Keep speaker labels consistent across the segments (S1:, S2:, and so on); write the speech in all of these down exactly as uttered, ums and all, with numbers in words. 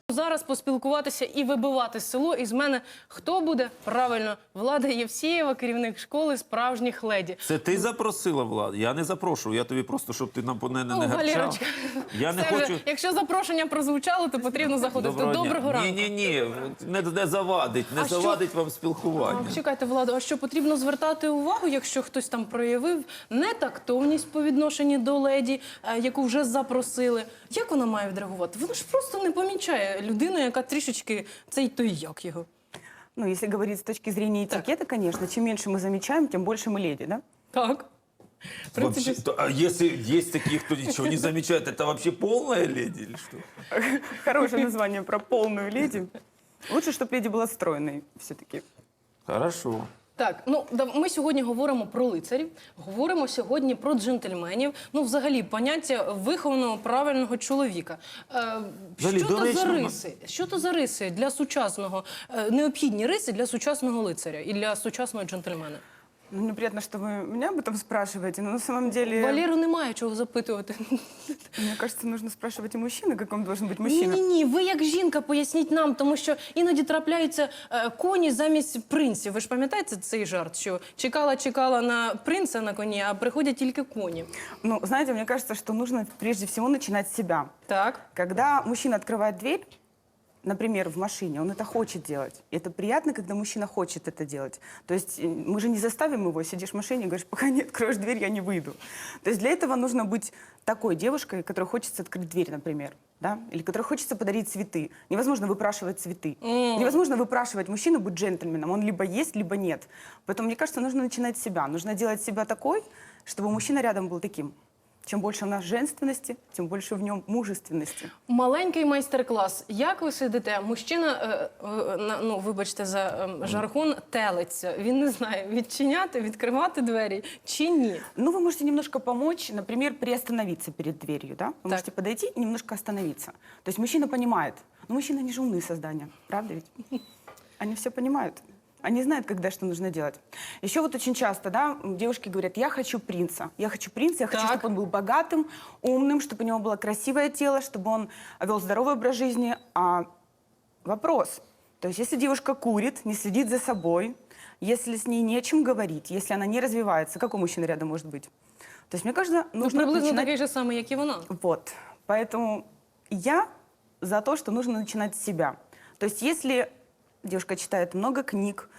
S1: Зараз поспілкуватися і вибивати село із мене. Хто буде? Правильно, Влада Євсєєва, керівник школи справжніх леді.
S2: Це ти запросила, Влад? Я не запрошую, я тобі просто, щоб ти нам по мене не
S1: О,
S2: гарчав.
S1: Валерочка,
S2: Я не
S1: все
S2: хочу...
S1: вже, якщо запрошення прозвучало, то потрібно заходити.
S2: Доброго,
S1: Доброго ранку.
S2: Ні-ні-ні, не, не завадить, не
S1: А що?
S2: завадить вам спілкування.
S1: А, чекайте, Влада, а що потрібно звертати увагу, якщо хтось там проявив нетактовність по відношенню до леді, е, яку вже запросили? Як вона має відреагувати? Вона ж просто не помічає людину, яка трішечки цей той як його.
S3: Ну, если говорить с точки зрения этикета, конечно, чем меньше мы замечаем, тем больше мы леди, да?
S1: Так. В принципі,
S2: Вообще, то, а если есть такие, кто ничего не замечает, это вообще полная леди или что?
S3: Хорошее название про полную леди. Лучше, чтобы леди была стройной все-таки.
S2: Хорошо.
S1: Так, ну да, ми сьогодні говоримо про лицарів, говоримо сьогодні про джентльменів. Ну, взагалі, поняття вихованого правильного чоловіка. Е,
S2: Взагалі,
S1: що то за
S2: доречно,
S1: риси? Що то за риси для сучасного, е, необхідні риси для сучасного лицаря і для сучасного джентльмена?
S3: Ну, мне приятно, что вы меня об этом спрашиваете, но на самом деле...
S1: Валеру немає чого запитувати.
S3: Мне кажется, нужно спрашивать и мужчину, каком должен быть мужчина.
S1: Ні-ні-ні, ви як жінка поясніть нам, тому що іноді трапляються е, коні замість принців. Ви ж пам'ятаєте цей жарт, що чекала-чекала на принца на коні, а приходять тільки коні.
S3: Ну, знаете, мне кажется, что нужно прежде всего начинать с себя.
S1: Так.
S3: Когда мужчина открывает дверь, например, в машине, он это хочет делать. И это приятно, когда мужчина хочет это делать. То есть э, мы же не заставим его, сидишь в машине и говоришь, пока не откроешь дверь, я не выйду. То есть для этого нужно быть такой девушкой, которой хочется открыть дверь, например, да? Или которой хочется подарить цветы. Невозможно выпрашивать цветы.
S1: Mm.
S3: Невозможно выпрашивать мужчину быть джентльменом. Он либо есть, либо нет. Поэтому, мне кажется, нужно начинать с себя. Нужно делать себя такой, чтобы мужчина рядом был таким. Чем больше у нас женственности, тем больше в нем мужественности.
S1: Маленький майстер-клас. Як ви сидите? Мужчина, е, е, на- ну, вибачте за е, жаргон, телиться. Він не знає, відчиняти, відкривати двері чи ні.
S3: Ну, вы можете немножко помочь, например, приостановиться перед дверью, да? Вы
S1: Так.
S3: можете подойти и немножко остановиться. То есть мужчина понимает. Ну, мужчины, они же умные создания, правда ведь? Они все понимают. Они знают, когда что нужно делать. Еще вот очень часто, да, девушки говорят, я хочу принца. Я хочу принца, я хочу,
S1: Так.
S3: чтобы он был богатым, умным, чтобы у него было красивое тело, чтобы он вел здоровый образ жизни. А вопрос, то есть если девушка курит, не следит за собой, если с ней не о чем говорить, если она не развивается, какой мужчина рядом может быть? То есть, мне кажется,
S1: Ну,
S3: нужно
S1: приблизно
S3: начинать...
S1: такий же самий, як і вона.
S3: Вот. Поэтому я за то, что нужно начинать с себя. То есть если девушка читает много книг,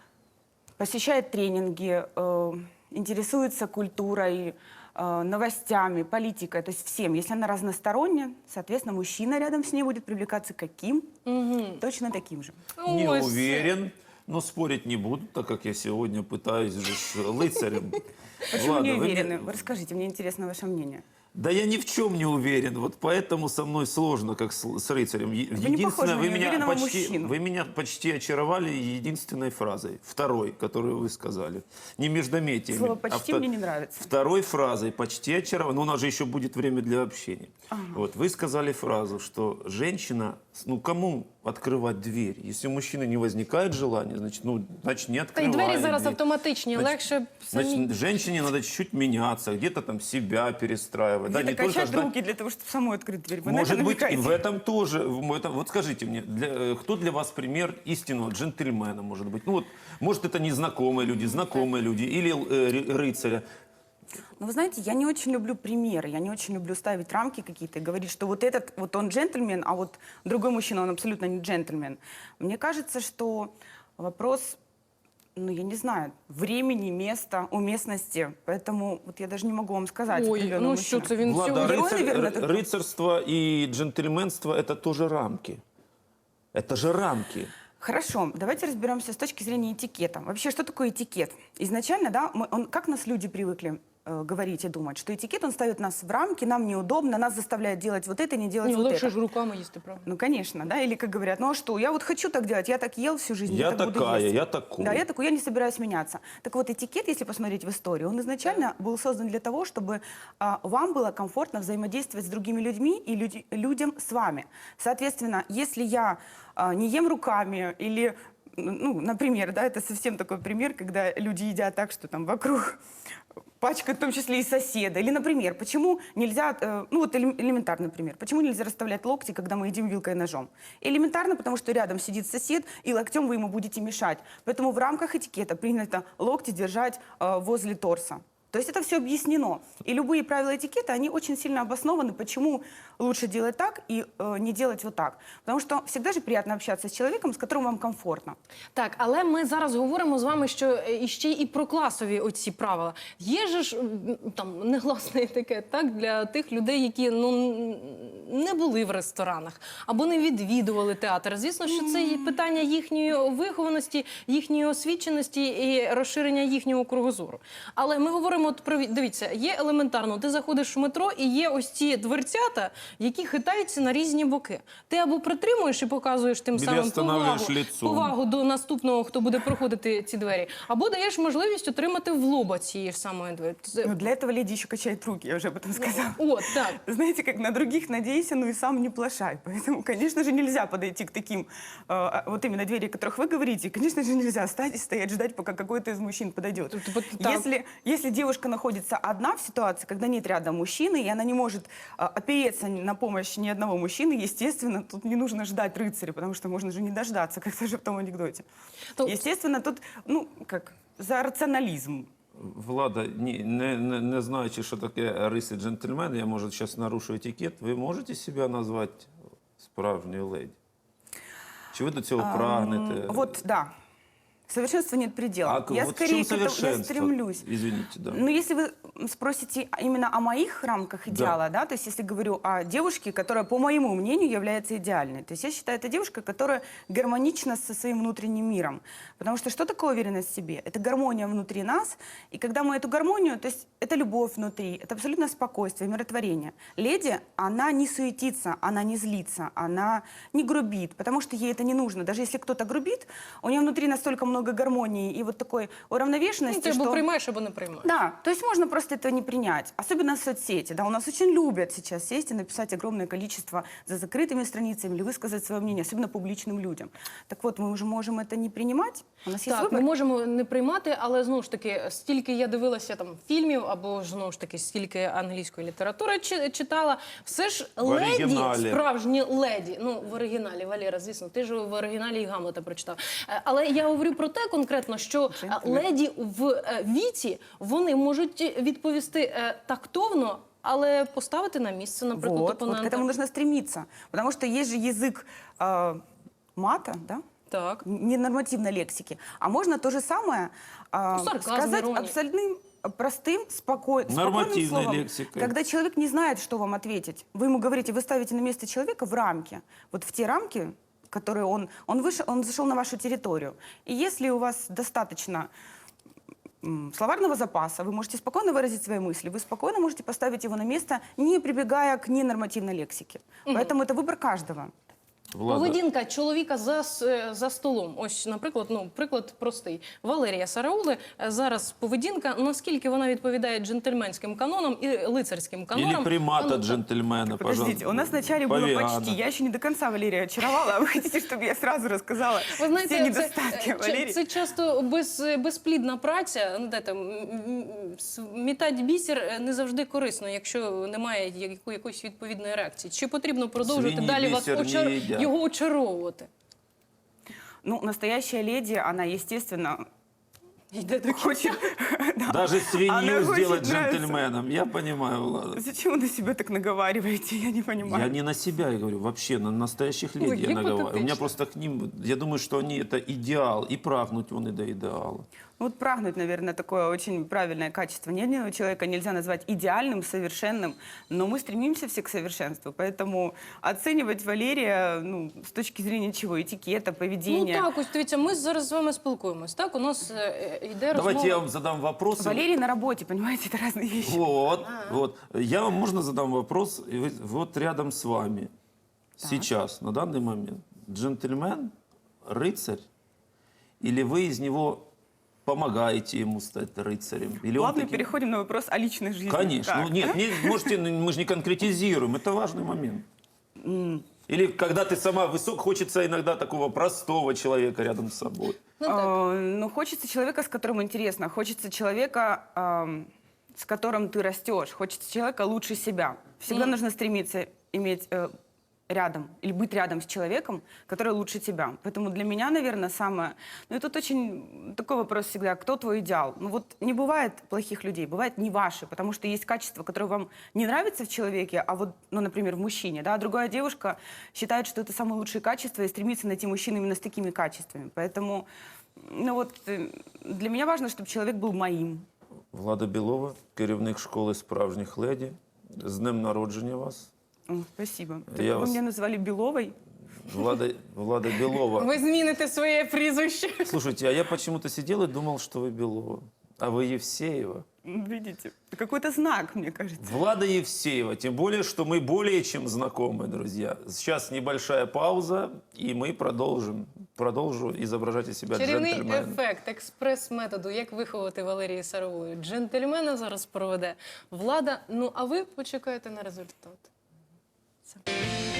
S3: посещает тренинги, э, интересуется культурой, э, новостями, политикой, то есть всем, если она разносторонняя, соответственно, мужчина рядом с ней будет привлекаться каким? Точно таким же.
S2: Не
S1: Ось.
S2: уверен, но спорить не буду, так как я сегодня пытаюсь же с лыцарем.
S3: Почему
S2: Ладно,
S3: не
S2: вы мне-
S3: уверены? Вы расскажите, мне интересно ваше мнение.
S2: Да я ни в чем не уверен, вот поэтому со мной сложно, как с, с рыцарем. Е-
S3: Вы не похожи на
S2: вы меня
S3: неуверенного
S2: почти,
S3: мужчину.
S2: вы меня почти очаровали единственной фразой, второй, которую вы сказали, не междометиями.
S3: Слово
S2: а
S3: «почти»
S2: вто-
S3: мне не нравится.
S2: Второй фразой почти очаровали, но у нас же еще будет время для общения. Вот вы сказали фразу, что женщина, ну кому открывать дверь? Если у мужчины не возникает желания, значит, ну, значит не
S1: Та й
S2: открываем
S1: двері зараз
S2: дверь.
S1: автоматичні,
S2: Значит,
S1: легше самі.
S2: Значит, женщине надо чуть-чуть меняться, где-то там себя перестраивать. Да,
S3: Где-то
S2: не только
S3: качать
S2: ждать.
S3: руки для того, чтобы самой открыть дверь. Вы на
S2: Может
S3: это
S2: быть, и
S3: намекаете?
S2: в этом тоже. в этом- вот скажите мне, для, э, кто для вас пример истинного джентльмена, может быть? Ну вот, может, это незнакомые люди, знакомые люди или э, ры- рыцаря.
S3: Ну, вы знаете, я не очень люблю примеры, я не очень люблю ставить рамки какие-то и говорить, что вот этот, вот он джентльмен, а вот другой мужчина, он абсолютно не джентльмен. Мне кажется, что вопрос, ну, я не знаю, времени, места, уместности, поэтому вот я даже не могу вам сказать.
S1: Ой,
S3: определенного
S1: ну
S3: мужчину.
S1: що це він
S2: Влада,
S1: сьогодні?
S3: Герой,
S2: рыцарь-
S3: наверное,
S2: ры-
S3: такой.
S2: рыцарство и джентльменство – это тоже рамки. Это же рамки.
S3: Хорошо, давайте разберемся с точки зрения этикета. Вообще, что такое этикет? Изначально, да, мы, он, как нас люди привыкли э, говорить и думать, что этикет, он ставит нас в рамки, нам неудобно, нас заставляет делать вот это, не делать
S1: Ні,
S3: вот
S1: легше
S3: это.
S1: ж руками їсти, правда.
S3: Ну, конечно, да, или как говорят, ну а что, я вот хочу так делать, я так ел всю жизнь,
S2: Я
S3: так буду
S2: такая,
S3: есть.
S2: я такой.
S3: Да, я такой, я не собираюсь меняться. Так вот, этикет, если посмотреть в историю, он изначально был создан для того, чтобы а, вам было комфортно взаимодействовать с другими людьми и люди- людям с вами. Соответственно, если я а, не ем руками или ну, например, да, это совсем такой пример, когда люди едят так, что там вокруг пачкают в том числе и соседа. Или, например, почему нельзя, э, ну вот элем- элементарный пример, почему нельзя расставлять локти, когда мы едим вилкой и ножом? Элементарно, потому что рядом сидит сосед, и локтем вы ему будете мешать. Поэтому в рамках этикета принято локти держать э, возле торса. То есть это все объяснено. И любые правила этикета, они очень сильно обоснованы, почему лучше делать так и э, не делать вот так. Потому что всегда же приятно общаться с человеком, с которым вам комфортно.
S1: Так, але ми зараз говоримо з вами, що е, іще і про класові оці правила. Є же ж м, там негласний етикет, так, для тих людей, які ну н- не були в ресторанах або не відвідували театр. Звісно, що це і питання їхньої вихованості, їхньої освіченості і розширення їхнього кругозору. Але ми говоримо от про дивіться, є елементарно. Ти заходиш в метро і є ось ці дверцята, які хитаються на різні боки. Ти або притримуєш і показуєш тим
S2: Біля
S1: самим
S2: останавливаєш
S1: повагу,
S2: лицом.
S1: повагу до наступного, хто буде проходити ці двері, або даєш можливість отримати в лоба цієї ж самої двері. Це-
S3: Но для этого леди еще качает руки, я уже об этом сказала.
S1: О, так.
S3: Знаете, как на других надейся, ну и сам не плашай. Поэтому, конечно же, нельзя подойти к таким, э, вот именно двери, о которых вы говорите. И, конечно же, нельзя стать и стоять, ждать, пока какой-то из мужчин подойдет.
S1: Тобто, от так.
S3: Если, если девушка находится одна в ситуации, когда нет рядом мужчины, и она не может э, опереться на помощь ни одного мужчины, естественно, тут не нужно ждать рыцаря, потому что можно же не дождаться, как тоже в том анекдоте.
S1: То-
S3: Естественно, тут, ну, как, за рационализм.
S2: Влада, ні, не, не, не знаючи, що таке риси джентльмена, я, може, зараз нарушу етикет, ви можете себе назвати справжньою леді? Чи ви до цього прагнете?
S3: Вот, да. Совершенству нет предела.
S2: А
S3: я
S2: вот в
S3: скорее
S2: чем
S3: к этому я
S2: совершенство?
S3: стремлюсь.
S2: Извините, да.
S3: Ну, если вы спросите именно о моих рамках идеала, да, то есть если говорю о девушке, которая, по моему мнению, является идеальной, то есть я считаю, это девушка, которая гармонична со своим внутренним миром. Потому что что такое уверенность в себе? Это гармония внутри нас, и когда мы эту гармонию, то есть это любовь внутри, это абсолютно спокойствие, умиротворение. Леди, она не суетится, она не злится, она не грубит, потому что ей это не нужно. Даже если кто-то грубит, у нее внутри настолько много гармонии и вот такой
S1: Ну,
S3: уравновешенности,
S1: ти або
S3: что...
S1: приймаєш, або не приймаєш.
S3: Да, то есть можно просто этого не принять. Особенно в соцсети. Да, у нас очень любят сейчас сесть и написать огромное количество за закрытыми страницами или высказать свое мнение, особенно публичным людям. Так вот, мы уже можем это не принимать. У нас есть
S1: Так,
S3: выбор.
S1: ми можемо не приймати, але знову ж таки, стільки я дивилася там фільмів, або ж знову ж таки, стільки англійської літератури чи- читала, все ж леді,
S2: оригіналі.
S1: справжні леді, ну в оригіналі, Валера, звісно, ти ж в оригіналі і Гамлета прочитав. Е, Але я говорю про те конкретно, що е, леді в е, віці, вони можуть відповісти е, тактовно, але поставити на місце, наприклад,
S3: Вот, вот к
S1: опонента.
S3: этому нужно стремиться. Потому что есть же язык э, мата, да?
S1: Так.
S3: Ненормативной лексики. А можно то же самое э,
S1: Ну, сарказм,
S3: сказать
S1: ирония.
S3: абсолютным, простым, спокой- спокойным
S2: Нормативной
S3: словом.
S2: лексикой.
S3: Когда человек не знает, что вам ответить. Вы ему говорите, вы ставите на место человека в рамки. Вот в те рамки, которые он... Он, вышел, он зашел на вашу территорию. И если у вас достаточно м, словарного запаса, вы можете спокойно выразить свои мысли, вы спокойно можете поставить его на место, не прибегая к ненормативной лексике. Поэтому это выбор каждого.
S2: Влада,
S1: Поведінка чоловіка за, с- за столом. Ось, наприклад, ну, приклад простий. Валерія Сараули. е, Зараз поведінка, наскільки вона відповідає джентльменським канонам і лицарським канонам.
S2: или примата
S1: А ну,
S2: джентльмена,
S3: Подождите,
S2: пожалуйста.
S3: у нас вначале было
S2: Павиана.
S3: почти. Я еще не до конца Валерия очаровала, а вы хотите, чтобы я сразу рассказала
S1: Ви знаєте,
S3: все
S1: це,
S3: недостатки
S1: е,
S3: Валерии?
S1: це часто без, безплідна праця. Ну, де там, м, м, смітати бісер е, не завжди корисно, якщо немає яку- якоїсь відповідної реакції. Чи потрібно продовжувати
S2: Свині
S1: далі вас
S2: бісер не
S1: очар...
S2: їдять.
S1: його очаровувати?
S3: Ну, настоящая леди, она, естественно, хочет... да.
S2: Даже
S3: Она
S2: свинью
S3: очень
S2: сделать
S3: нравится.
S2: джентльменом. Я понимаю, Влада.
S3: Зачем вы на себя так наговариваете? Я не понимаю.
S2: Я не на себя я говорю, вообще на настоящих
S1: Ой,
S2: леди я наговариваю. У меня
S1: гипотетично.
S2: просто к ним, я думаю, что они это идеал, и прагнуть вони до идеала.
S3: Ну, вот прагнуть, наверное, такое очень правильное качество. Ни одного человека нельзя назвать идеальным, совершенным, но мы стремимся все к совершенству. Поэтому оценивать Валерия, ну, с точки зрения чего? Этикета,
S1: Ну
S3: поведения.
S1: так, ось дивіться, ми зараз з вами спілкуємось. Так, у нас е, е, йде
S2: Давайте
S1: розмова.
S2: я вам задам вопрос.
S3: Валерий на работе, понимаете, это разные вещи.
S2: Вот, вот. Я вам можно задам вопрос, и вы- вот рядом с вами, сейчас, на данный момент, джентльмен, рыцарь, или вы из него помогаете ему стать рыцарем? Или он
S3: Плавно
S2: таки-
S3: переходим на вопрос о личной жизни.
S2: Конечно.
S3: Как?
S2: Ну, нет, не- можете, ну, мы же не конкретизируем, это важный момент.
S3: М,
S2: Или когда ты сама высок, хочется иногда такого простого человека рядом с собой.
S1: Ну, так.
S3: А, ну, хочется человека, с которым интересно. Хочется человека, ам, с которым ты растешь. Хочется человека лучше себя. Всегда
S1: М.
S3: нужно стремиться иметь э, рядом или быть рядом с человеком, который лучше тебя. Поэтому для меня, наверное, самое... Ну, и тут очень такой вопрос всегда. Кто твой идеал? Ну, вот не бывает плохих людей, бывает не ваши, потому что есть качества, которые вам не нравятся в человеке, а вот, ну, например, в мужчине, да, а другая девушка считает, что это самые лучшие качества и стремится найти мужчину именно с такими качествами. Поэтому, ну, вот э, для меня важно, чтобы человек был моим.
S2: Влада Білова, керівник школи справжніх леді. З днем народження вас.
S3: О, спасибо.
S2: Я
S3: Вы
S2: вас-
S3: меня назвали Беловой.
S2: Влада, Влада Белова.
S1: Ви зміните своє прізвище.
S2: Слушайте, а я почему-то сидел и думал, что вы Белова. А вы Евсеева.
S3: Видите? Какой-то знак, мне кажется.
S2: Влада Евсеева. Тем более, что мы более чем знакомы, друзья. Сейчас небольшая пауза, и мы продолжим. Продолжу изображать из себя
S1: Чарівний
S2: джентльмена.
S1: ефект експрес-методу, як виховати Валерії Сарової. Джентльмена зараз проведе Влада. Ну, а ви почекаєте на результат. Це.